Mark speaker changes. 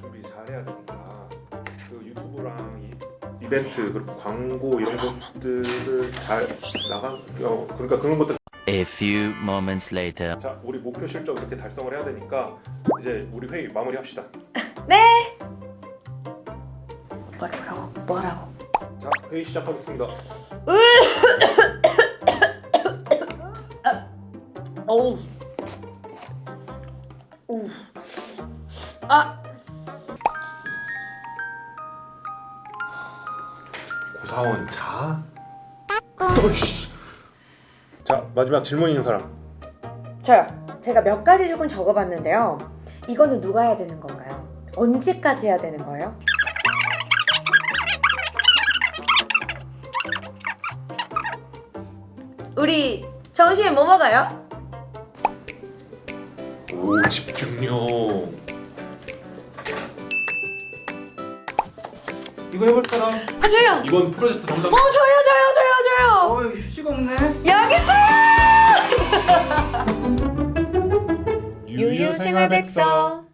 Speaker 1: 준비 잘 해야 되니까 그 유튜브랑 이벤트 그리고 광고 이런 것들을 잘 그러니까 그런 것들.
Speaker 2: A few moments later.
Speaker 1: 자, 우리 목표 실적 이렇게 달성을 해야 되니까 이제 우리 회의 마무리합시다.
Speaker 3: 네. 뭐라고?
Speaker 1: 자, 회의 시작하겠습니다.
Speaker 3: 어우. 아.
Speaker 1: 고사원 자. 자, 마지막 질문 있는 사람.
Speaker 3: 저요. 제가 몇 가지 조금 적어봤는데요. 이거는 누가 해야 되는 건가요? 언제까지 해야 되는 거예요? 우리 점심에 뭐 먹어요?
Speaker 1: 오, 집중력.
Speaker 4: 이거 해볼 사람?
Speaker 3: 아 저요.
Speaker 1: 이번 프로젝트 담당.
Speaker 3: 저요.
Speaker 4: 이거 휴지가 없네.
Speaker 3: 여기 있어요.
Speaker 1: 유유생활백서.